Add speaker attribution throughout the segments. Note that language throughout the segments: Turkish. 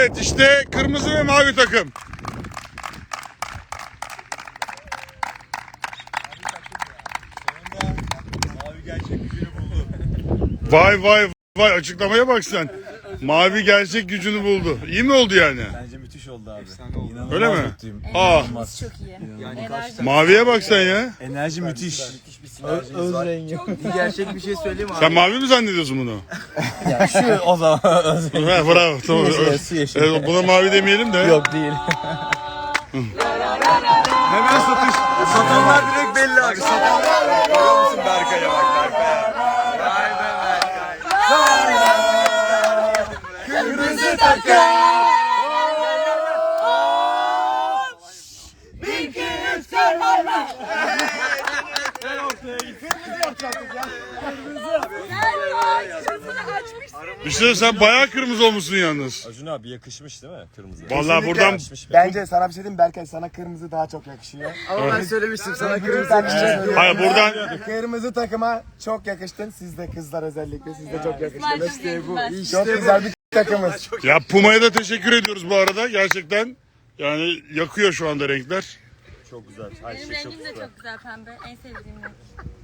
Speaker 1: Evet işte kırmızı ve mavi takım.
Speaker 2: Mavi gerçek gücünü buldu.
Speaker 1: Vay vay vay, açıklamaya bak sen. Mavi gerçek gücünü buldu. İyi mi oldu yani?
Speaker 2: Bence müthiş oldu abi. İnanılmaz
Speaker 1: Öyle mi?
Speaker 2: mutluyum.
Speaker 1: Aa,
Speaker 3: Enerjimiz çok iyi. Enerji.
Speaker 1: maviye bak sen ya.
Speaker 2: Enerji müthiş.
Speaker 4: Öz rengi.
Speaker 5: Gerçek bir şey söyleyeyim mi abi?
Speaker 1: Sen mavi mi zannediyorsun bunu?
Speaker 2: Ya şu o zaman.
Speaker 1: Ha, bravo tamam.
Speaker 2: Su yeşil.
Speaker 1: Evet, buna mavi demeyelim de.
Speaker 2: Yok değil. Hemen satış. Satanlar direkt belli abi. Satanlar. Görüyor musun Berkay'a bak Berkay'a. Vay be Berkay. Kırmızı takım.
Speaker 1: Bir şey sen bayağı kırmızı olmuşsun yalnız.
Speaker 2: Acun abi yakışmış değil mi kırmızı?
Speaker 1: Vallahi buradan
Speaker 4: Bence sana bir şey diyeyim Berkay, sana kırmızı daha çok yakışıyor.
Speaker 5: Ama ben söylemiştim sana
Speaker 4: Kırmızı
Speaker 5: kırmızı.
Speaker 1: hayır buradan
Speaker 4: Kırmızı takıma çok yakıştın. Siz de kızlar özellikle siz de çok yakıştınız.
Speaker 3: İşte bu.
Speaker 4: Çok güzel bir takımız.
Speaker 1: ya Puma'ya da teşekkür ediyoruz bu arada. Gerçekten yani yakıyor şu anda renkler.
Speaker 2: Çok güzel. Her
Speaker 3: Benim
Speaker 2: şey çok
Speaker 3: rengim de
Speaker 2: güzel.
Speaker 3: çok güzel, pembe. En sevdiğim renk.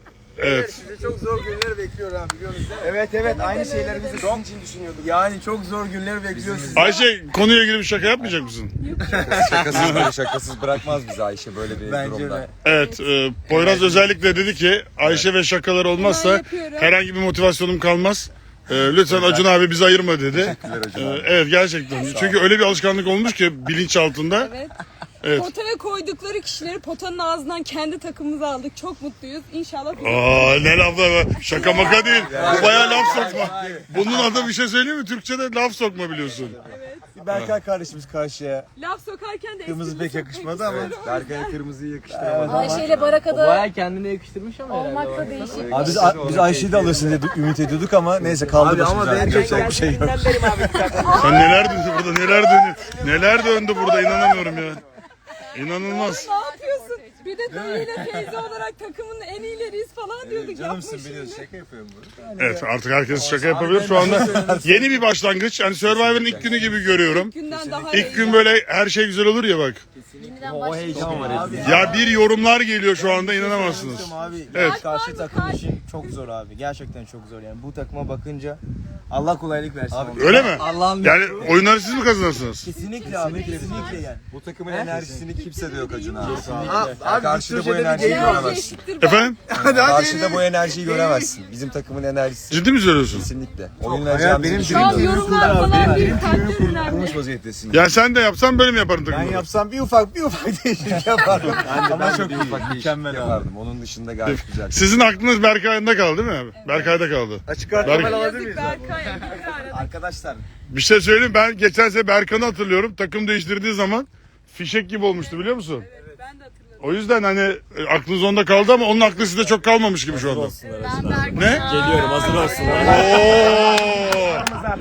Speaker 1: Evet.
Speaker 5: Sizi çok zor günler bekliyor abi biliyorsunuz değil mi?
Speaker 4: Evet evet, aynı şeyleri biz de sizin için düşünüyorduk.
Speaker 5: Yani çok zor günler bekliyor sizi.
Speaker 1: Ayşe, konuya ilgili bir şaka yapmayacak mısın?
Speaker 2: Şakasız böyle şakasız bırakmaz bizi Ayşe böyle bir
Speaker 5: Bence
Speaker 2: durumda.
Speaker 5: de.
Speaker 1: Evet, Poyraz özellikle dedi ki Ayşe ve şakalar olmazsa herhangi bir motivasyonum kalmaz. Lütfen Acun abi bizi ayırma dedi.
Speaker 2: Teşekkürler Acun abi.
Speaker 1: Evet gerçekten. Çünkü öyle bir alışkanlık olmuş ki bilinç altında.
Speaker 6: Evet.
Speaker 1: Evet.
Speaker 6: Potaya koydukları kişileri potanın ağzından kendi takımımıza aldık. Çok mutluyuz. İnşallah
Speaker 1: Aa ne laflar var. Şaka maka değil. Bu bayağı laf sokma. Bunun adı bir şey söyleyeyim mi? Türkçe'de laf sokma biliyorsun.
Speaker 4: Berkay kardeşimiz karşıya.
Speaker 6: laf sokarken de
Speaker 4: Kırmızı
Speaker 6: esprili
Speaker 4: pek
Speaker 6: sokmayı
Speaker 4: yakışmadı ama.
Speaker 6: istiyorum.
Speaker 2: Berkay'a kırmızıyı yakıştıramadım.
Speaker 3: Ayşe ile Baraka'da
Speaker 5: Baya kendine yakıştırmış ama herhalde.
Speaker 3: olmak da değişik.
Speaker 2: Abi biz Ayşe'yi de alırsın diye ümit ediyorduk ama neyse kaldı
Speaker 5: Abi ama
Speaker 2: başımıza.
Speaker 5: ben
Speaker 2: Yapacak bir şey yok.
Speaker 1: Sen neler döndü burada, neler döndü. Neler döndü burada, inanamıyorum ya. İnanılmaz.
Speaker 6: Ne yapıyorsun? Bir de dayıyla teyze olarak takımın en iyileriyiz falan diyorduk. Yapma şimdi.
Speaker 2: şaka yapıyorum bunu.
Speaker 1: Evet artık herkes şaka yapabilir şu anda. Yeni bir başlangıç. Yani Survivor'ın ilk günü gibi görüyorum.
Speaker 6: Günden daha
Speaker 1: İlk gün böyle her şey güzel olur ya bak.
Speaker 3: Yeniden başlıyor.
Speaker 1: Ya bir yorumlar geliyor şu anda, inanamazsınız.
Speaker 4: Abi
Speaker 1: Evet.
Speaker 4: karşı takım için çok zor abi. Gerçekten çok zor yani. Bu takıma bakınca Allah kolaylık versin. Abi,
Speaker 1: Öyle mi?
Speaker 4: Allah'ın
Speaker 1: Yani oyunları siz mi kazanırsınız?
Speaker 4: kesinlikle abi, kesinlikle yani.
Speaker 2: Bu takımın enerjisini kimse de yok Acun abi.
Speaker 5: Abi
Speaker 2: Karşıda bu
Speaker 5: Türkçe'de bir
Speaker 2: enerjiyi
Speaker 5: deyim var.
Speaker 2: göremezsin.
Speaker 6: Eşittir ben.
Speaker 1: Efendim?
Speaker 2: Karşıda bu enerjiyi göremezsin. Bizim takımın enerjisi
Speaker 1: Ciddi mi söylüyorsun?
Speaker 2: kesinlikle. Oyunlar
Speaker 4: benim
Speaker 6: Şu an yorumlar falan bir takdir önemli.
Speaker 2: kurmuş vaziyettesin.
Speaker 1: Ya sen de yapsan böyle mi yapardın
Speaker 4: Ben
Speaker 1: takımda?
Speaker 4: yapsam bir ufak değişiklik yaparım.
Speaker 2: Ama çok ufak mükemmel yapardım. Onun dışında gayet güzel.
Speaker 1: Sizin aklınız Berkay'da kaldı değil mi abi? Berkay'da kaldı.
Speaker 4: Açık
Speaker 6: Yazık Berkay.
Speaker 4: Arkadaşlar
Speaker 1: Bir şey söyleyeyim, ben geçen sene Berkan'ı hatırlıyorum. Takım değiştirdiği zaman fişek gibi olmuştu, biliyor musun?
Speaker 6: Ben de hatırladım.
Speaker 1: O yüzden hani aklınız onda kaldı ama onun aklı sizde çok kalmamış gibi şu anda.
Speaker 3: Ben Berkay.
Speaker 1: Ne?
Speaker 2: Geliyorum hazır olsunlar.
Speaker 1: Oo!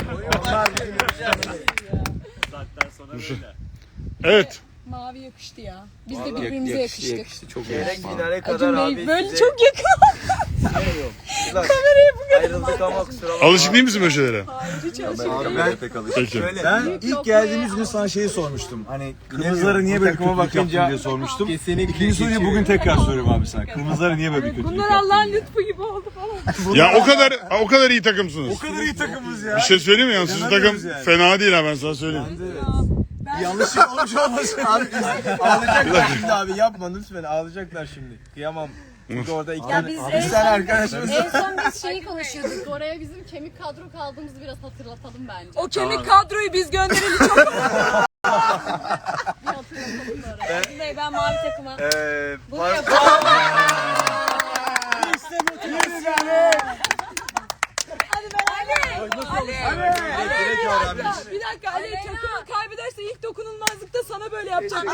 Speaker 1: Evet.
Speaker 6: Mavi yakıştı ya. Biz de birbirimize yakıştık.
Speaker 5: Çok gerek finale kadar
Speaker 6: Acun
Speaker 5: abi.
Speaker 6: Bey böyle
Speaker 5: size
Speaker 6: çok yakın.
Speaker 5: Kameraya bu kadar. Ayrıldık ama kusura bakma.
Speaker 1: Alışık değil misin böyle şeylere?
Speaker 6: Hiç alışık
Speaker 2: Ben pek alışık.
Speaker 1: Peki.
Speaker 4: ben ilk geldiğimiz gün sana şeyi sormuştum. Hani kırmızılara niye böyle
Speaker 5: takıma
Speaker 4: kötülük yaptın
Speaker 5: bakınca
Speaker 4: diye sormuştum.
Speaker 5: kesinlikle
Speaker 4: İkinci soruyu bugün tekrar soruyorum abi sana. Kırmızılara niye böyle bir kötülük
Speaker 6: Bunlar
Speaker 4: yaptın?
Speaker 6: Allah'ın lütfu gibi oldu falan.
Speaker 1: Ya o kadar iyi takımsınız.
Speaker 4: O kadar iyi takımız ya.
Speaker 1: Bir şey söyleyeyim mi? Yani sizin takım
Speaker 4: İnanamıyoruz yani.
Speaker 1: fena değil ha, ben sana söyleyeyim.
Speaker 4: Yanlışlık olmuş olmasın.
Speaker 5: Abi ağlayacaklar şimdi abi yapma lütfen ağlayacaklar şimdi. Kıyamam. Çünkü orada iki
Speaker 3: Ya biz
Speaker 5: bir tane arkadaşımız.
Speaker 3: en son biz şeyi konuşuyorduk. Oraya bizim kemik kadro kaldığımızı biraz hatırlatalım bence.
Speaker 6: O kemik kadroyu biz göndereli çok
Speaker 3: Bir hatırlatalım oraya. Acun Bey, ben mavi takıma. Bunu yapalım. Hadi ben Ali.
Speaker 6: Bir dakika Ali, takımı kaybederse ilk dokunulmazlıkta sana böyle yapacağım.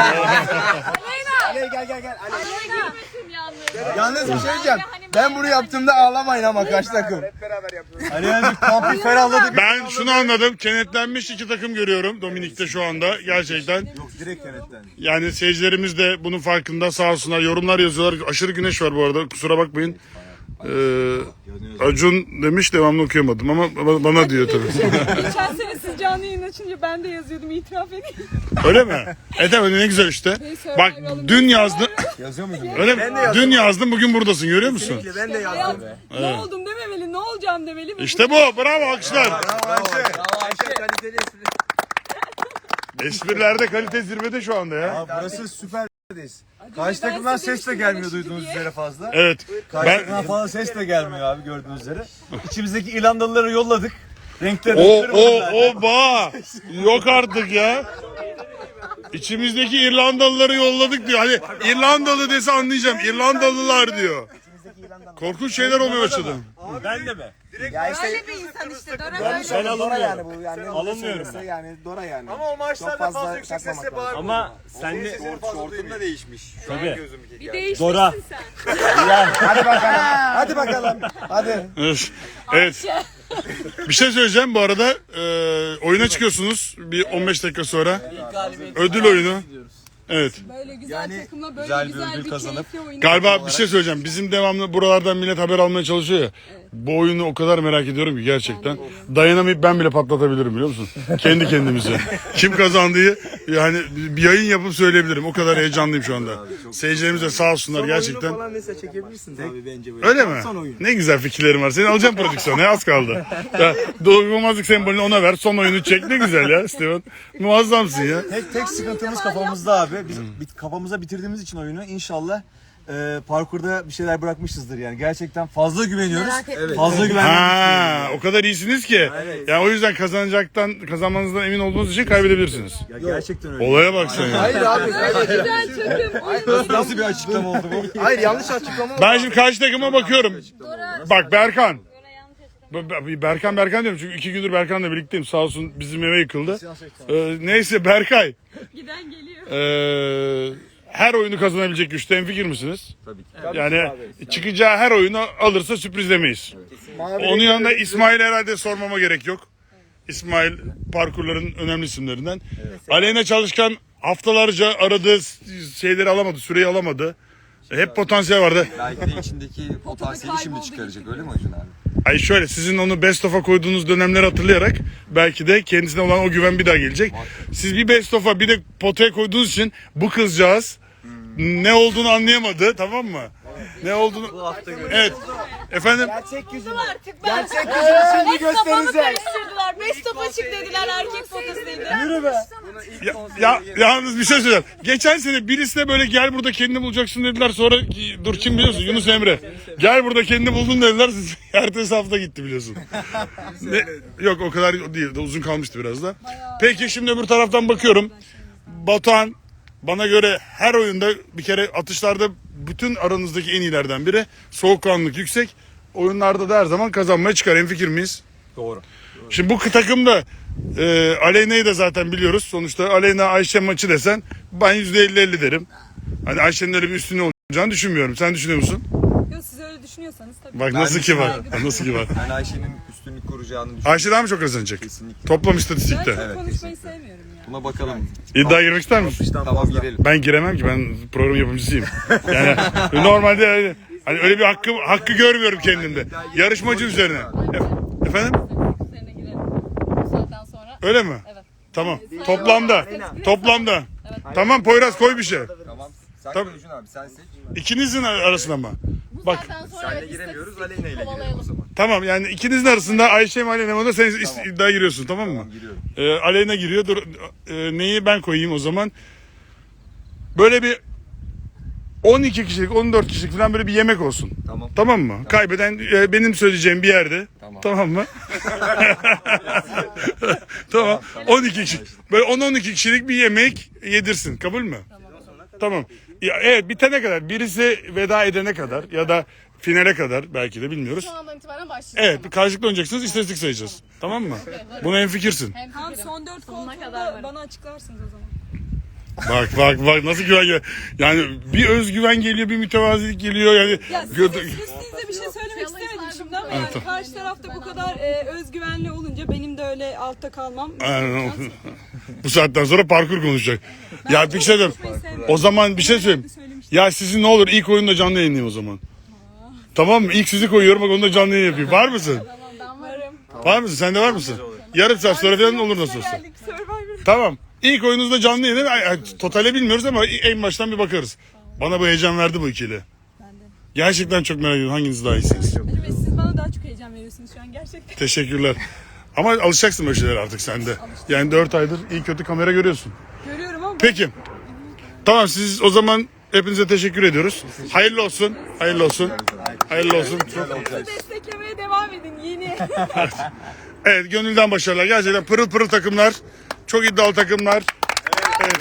Speaker 4: Ali gel.
Speaker 3: Gülmesin yalnız.
Speaker 5: Yalnız bir şey diyeceğim. Ben bunu yaptığımda ağlamayın ama kaç takım.
Speaker 4: Hani yani kampı ferahladı.
Speaker 1: Ben şunu anladım. Kenetlenmiş iki takım görüyorum Dominik'te şu anda. Gerçekten.
Speaker 4: Yok direkt kenetlendi.
Speaker 1: Yani seyircilerimiz de bunun farkında, sağ olsunlar. Yorumlar yazıyorlar. Aşırı güneş var bu arada. Kusura bakmayın. Acun demiş, devamlı okuyamadım ama bana diyor tabii.
Speaker 6: Geçen sene siz canlı yayın açınca ben de yazıyordum, itiraf edeyim.
Speaker 1: Öyle mi? Tamam, ne güzel işte. Bak dün yazdın.
Speaker 4: Yazıyor muydun?
Speaker 1: Öyle mi? Dün yazdın, bugün buradasın, görüyor musun?
Speaker 4: Kesinlikle ben de
Speaker 6: Hayat,
Speaker 4: yazdım.
Speaker 6: ne oldum dememeli, ne olacağım demeli.
Speaker 1: İşte bu. Bravo, alkışlar. Esprilerde kalite zirvede şu anda ya.
Speaker 5: Burası süperdeyiz. Karşı takımdan ses de gelmiyor duyduğunuz üzere fazla.
Speaker 1: Evet.
Speaker 5: Karşı
Speaker 1: Ben
Speaker 5: takımdan fazla ses de gelmiyor abi gördüğünüz üzere. İçimizdeki İrlandalıları yolladık. Renkleri
Speaker 1: ba. Yok artık ya. İçimizdeki İrlandalıları yolladık diyor. Hani İrlandalı dese anlayacağım. İrlandalılar diyor. Korkunç şeyler olmaya başladı.
Speaker 5: Ben de mi?
Speaker 4: Ya işte
Speaker 6: Öyle bir insan işte. Dora
Speaker 5: Ben
Speaker 4: Dora yani bu yani.
Speaker 5: Alınmıyorum ben.
Speaker 4: Yani Dora yani.
Speaker 2: Ama o maçlarda
Speaker 4: Çok
Speaker 2: fazla yüksek
Speaker 4: takmamak
Speaker 2: sesle
Speaker 4: lazım.
Speaker 2: bağırmıyor.
Speaker 5: Ama sen de
Speaker 2: Şortun da değişmiş. Şu an
Speaker 5: Tabii.
Speaker 2: gözümdeki
Speaker 6: bir
Speaker 2: geldi.
Speaker 6: değişmişsin
Speaker 5: Dora.
Speaker 6: sen.
Speaker 4: Hadi bakalım. Hadi bakalım. Hadi.
Speaker 1: Evet. Bir şey söyleyeceğim bu arada. Oyuna çıkıyorsunuz bir 15 dakika sonra. Ödül oyunu. Evet.
Speaker 6: Böyle güzel takımla böyle
Speaker 5: güzel bir
Speaker 6: güzel
Speaker 5: ödül
Speaker 6: bir
Speaker 5: kazanıp
Speaker 6: keyifli oyun.
Speaker 1: Galiba bir şey söyleyeceğim. Bizim devamlı buralardan millet haber almaya çalışıyor ya. Bu oyunu o kadar merak ediyorum ki gerçekten. Dayanamayıp ben bile patlatabilirim, biliyor musun? Kendi kendimize. Kim kazandığı yani bir yayın yapıp söyleyebilirim. O kadar heyecanlıyım şu anda. Seyircilerimiz de sağ olsunlar gerçekten.
Speaker 4: Falan mesela çekebilirsin abi bence böyle.
Speaker 1: Öyle mi?
Speaker 4: Son oyun.
Speaker 1: Ne güzel fikirlerim var. Seni alacağım prodüksiyona. Az kaldı. Ya, doyulmazlık sembolünü ona ver. Son oyunu çek. Ne güzel ya Steven. Muazzamsın ya.
Speaker 5: tek sıkıntımız kafamızda abi. Biz kafamıza bitirdiğimiz için oyunu inşallah parkurda bir şeyler bırakmışızdır yani. Gerçekten fazla güveniyoruz.
Speaker 3: Merak etme.
Speaker 5: Fazla güveniyoruz.
Speaker 1: Ha, o kadar iyisiniz ki. Yani o yüzden kazanmanızdan emin olduğunuz için kaybedebilirsiniz.
Speaker 5: Ya gerçekten öyle.
Speaker 1: Olaya bak sen ya.
Speaker 4: Hayır abi.
Speaker 6: Güzel takım. Oyun
Speaker 5: Nasıl bir açıklama oldu bu?
Speaker 4: Hayır yanlış açıklama.
Speaker 1: Ben şimdi karşı takıma bakıyorum.
Speaker 3: Dora.
Speaker 1: Bak Berkan.
Speaker 3: Dora yanlış açıkladı.
Speaker 1: Berkan diyorum çünkü 2 gündür Berkan'la birlikteyim. Sağ olsun bizim eve yıkıldı. Neyse Berkay.
Speaker 6: giden geliyor.
Speaker 1: Her oyunu kazanabilecek güçte hemfikir misiniz? Tabii ki. Yani çıkacağı her oyunu alırsa sürprizlemeyiz. Onun yanında İsmail herhalde sormama gerek yok. İsmail parkurların önemli isimlerinden. Aleyna Çalışkan haftalarca aradığı şeyleri alamadı, süreyi alamadı. Hep potansiyel vardı.
Speaker 2: Belki de içindeki potansiyeli şimdi çıkaracak öyle mi Acun abi?
Speaker 1: Ay şöyle, sizin onu best of'a koyduğunuz dönemleri hatırlayarak belki de kendisine olan o güven bir daha gelecek. Siz bir best of'a bir de potaya koyduğunuz için bu kızcağız ne olduğunu anlayamadı, tamam mı? Ne olduğunu... Evet. Efendim?
Speaker 4: Gerçek yüzünü.
Speaker 6: Artık ben.
Speaker 4: Gerçek yüzünü şimdi göstereceğiz.
Speaker 6: Karıştırdılar. Best of açık dediler, erkek fotoğrafıydı.
Speaker 4: Yürü be.
Speaker 1: Yalnız bir şey söyleyeceğim. Geçen sene birisine böyle gel burada kendini bulacaksın dediler. Sonra dur kim biliyorsun? Yunus Emre. Gel burada kendini buldun dediler. Ertesi hafta gitti biliyorsun. Yok o kadar değil. Uzun kalmıştı biraz da. Peki şimdi öbür taraftan bakıyorum. Batuhan bana göre her oyunda bir kere atışlarda bütün aranızdaki en iyilerden biri. Soğukkanlılık yüksek. Oyunlarda da her zaman kazanmaya çıkar. Hemfikir miyiz?
Speaker 5: Doğru.
Speaker 1: Şimdi bu takımda Aleyna'yı da zaten biliyoruz. Sonuçta Aleyna Ayşe maçı desen ben %50-50 derim. Hani Ayşe'nin öyle bir üstünlüğü olacağını düşünmüyorum. Sen düşünüyor musun?
Speaker 6: Yok, siz öyle düşünüyorsanız tabii.
Speaker 1: Bak nasıl ki var. Nasıl ki var.
Speaker 2: Ben Ayşe'nin üstünlük kuracağını düşünüyorum.
Speaker 1: Ayşe daha mı çok kazanacak?
Speaker 2: Kesinlikle.
Speaker 1: Toplam
Speaker 6: Ben
Speaker 1: istatistikte.
Speaker 6: çok konuşmayı sevmiyorum ya.
Speaker 2: Buna bakalım.
Speaker 1: İddia girmek ister misin?
Speaker 2: Tamam girelim.
Speaker 1: Ben giremem ki, ben program yapımcısıyım. Yani normalde öyle, hani öyle bir hakkı görmüyorum kendimde. Yarışmacı üzerine. Efendim?
Speaker 3: Üzerine girelim. Bu saatten sonra.
Speaker 1: Öyle mi?
Speaker 3: Evet.
Speaker 1: Tamam. Toplamda. Tamam Poyraz, koy bir şey.
Speaker 2: Tamam. Sen
Speaker 1: Tabii.
Speaker 2: Acun abi sen seç.
Speaker 1: İkinizin arasında mı?
Speaker 3: Bu
Speaker 1: Bak.
Speaker 3: saatten sonra
Speaker 2: Senle
Speaker 3: evet,
Speaker 2: giremiyoruz,
Speaker 3: istatistik
Speaker 2: Aleyna ile girelim o
Speaker 3: kovalayalım.
Speaker 2: zaman.
Speaker 1: Tamam, yani ikinizin arasında Ayşe mi Aleyna mı da sen iddiaya giriyorsun, tamam mı?
Speaker 2: Tamam giriyorum.
Speaker 1: Aleyna giriyor. Dur, neyi ben koyayım o zaman? Böyle bir 12 kişilik, 14 kişilik falan böyle bir yemek olsun.
Speaker 2: Tamam.
Speaker 1: Tamam mı? Kaybeden benim söyleyeceğim bir yerde. Tamam mı? Tamam. 12 kişi. Böyle 10-12 kişilik bir yemek yedirsin. Kabul mü? Tamam. Ya, evet, bitene kadar, birisi veda edene kadar ya da finale kadar belki de bilmiyoruz.
Speaker 3: Şu andan itibaren başlayacağız.
Speaker 1: Evet, karşılıklı oynayacaksınız, istatistik sayacağız. Tamam mı? Buna hemfikirsin.
Speaker 3: Hem
Speaker 6: Tamam,
Speaker 3: fikrim.
Speaker 6: son 4
Speaker 3: Sonuna kadar
Speaker 6: koltuğunda
Speaker 3: varım.
Speaker 6: bana açıklarsınız o zaman.
Speaker 1: Bak nasıl güven geliyor. Yani bir özgüven geliyor, bir mütevazilik geliyor yani.
Speaker 6: Ya sizin size bir şey söylemek istemedim şimdi ama yani karşı tarafta bu kadar özgüvenli olunca benim de öyle altta kalmam.
Speaker 1: Aynen. Bu saatten sonra parkur konuşacak. Ya bir şey diyeyim. O zaman bir şey söyleyeyim. Ya sizin ne olur ilk oyunda canlı yayınlayın o zaman. Tamam mı? İlk sizi koyuyorum, bak onu da canlı yayın yapayım. Var mısın?
Speaker 3: Ben varım.
Speaker 1: Var mısın? Sen de var mısın? Yarım saat sonra falan olur nasıl olsa.
Speaker 6: Geldik Survivor.
Speaker 1: Tamam. İlk oyunuzda canlı yayın. Totale bilmiyoruz ama en baştan bir bakarız. Bana bu heyecan verdi bu ikili. Gerçekten çok merak ediyorum. Hanginiz daha iyisiniz?
Speaker 6: Ve siz bana daha çok heyecan veriyorsunuz şu an gerçekten.
Speaker 1: Teşekkürler. Ama alışacaksın böyle şeylere artık sen de. Yani 4 aydır iyi kötü kamera görüyorsun.
Speaker 6: Görüyorum ama
Speaker 1: Peki. Tamam, siz o zaman hepinize teşekkür ediyoruz. Hayırlı olsun. Hayırlı olsun. Hayırlı olsun.
Speaker 6: bizi desteklemeye devam edin yeni.
Speaker 1: Evet, gönülden başarılar. Gerçekten pırıl pırıl takımlar. Çok iddialı takımlar. Evet.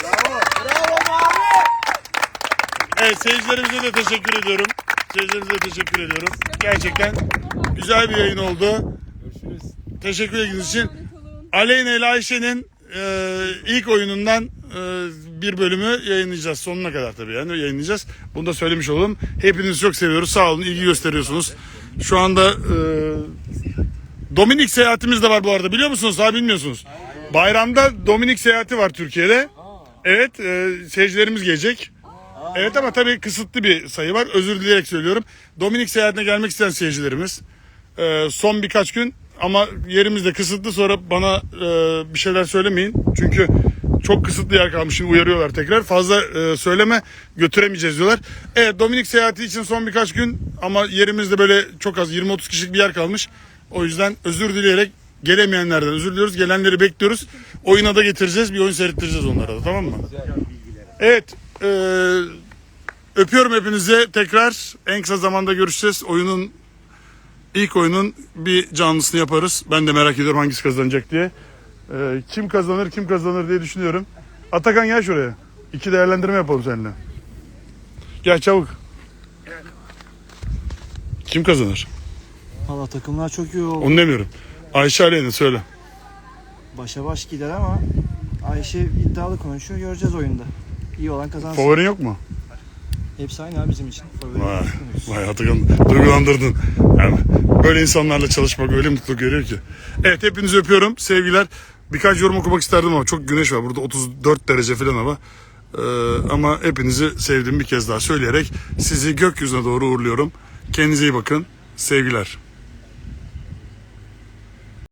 Speaker 1: Evet, seyircilerimize de teşekkür ediyorum. Seyircilerimize de teşekkür ediyorum. Gerçekten güzel bir yayın oldu. Teşekkür ettiğiniz için. Aleyna ile Ayşe'nin ilk oyunundan bir bölümü yayınlayacağız. Sonuna kadar tabii yani yayınlayacağız. Bunu da söylemiş olalım. Hepinizi çok seviyoruz. Sağ olun, ilgi gösteriyorsunuz. Şu anda Dominik seyahatimiz de var bu arada, biliyor musunuz? Daha bilmiyorsunuz. Bayramda Dominik seyahati var Türkiye'de. Evet, seyircilerimiz gelecek. Evet ama tabii kısıtlı bir sayı var. Özür dileyerek söylüyorum. Dominik seyahatine gelmek isteyen seyircilerimiz son birkaç gün ama yerimiz de kısıtlı, sonra bana bir şeyler söylemeyin. Çünkü çok kısıtlı yer kalmış. Şimdi uyarıyorlar tekrar. Fazla söyleme, götüremeyeceğiz diyorlar. Evet, Dominik seyahati için son birkaç gün ama yerimizde böyle çok az 20-30 kişilik bir yer kalmış. O yüzden özür dileyerek gelemeyenlerden özür diliyoruz. Gelenleri bekliyoruz. Oyuna da getireceğiz. Bir oyun seyrettireceğiz onlara da, tamam mı? Evet. Öpüyorum hepinize. Tekrar en kısa zamanda görüşeceğiz. İlk oyunun bir canlısını yaparız. Ben de merak ediyorum hangisi kazanacak diye. Kim kazanır diye düşünüyorum. Atakan gel şuraya. 2 değerlendirme yapalım seninle. Gel çabuk. Kim kazanır?
Speaker 4: Valla takımlar çok iyi oldu.
Speaker 1: Onu demiyorum. Ayşe Aleyna söyle.
Speaker 4: Başa baş gider ama Ayşe iddialı konuşuyor. Göreceğiz oyunda. İyi olan kazansın.
Speaker 1: Favorin yok mu?
Speaker 4: Hepsi aynı abi bizim için. Favori
Speaker 1: Vay,
Speaker 4: yok.
Speaker 1: vay Atakan, duygulandırdın. Yani böyle insanlarla çalışmak öyle mutluluk veriyor ki. Evet, hepinizi öpüyorum. Sevgiler. Birkaç yorum okumak isterdim ama çok güneş var. Burada 34 derece falan hava. Ama hepinizi sevdiğimi bir kez daha söyleyerek sizi gökyüzüne doğru uğurluyorum. Kendinize iyi bakın. Sevgiler.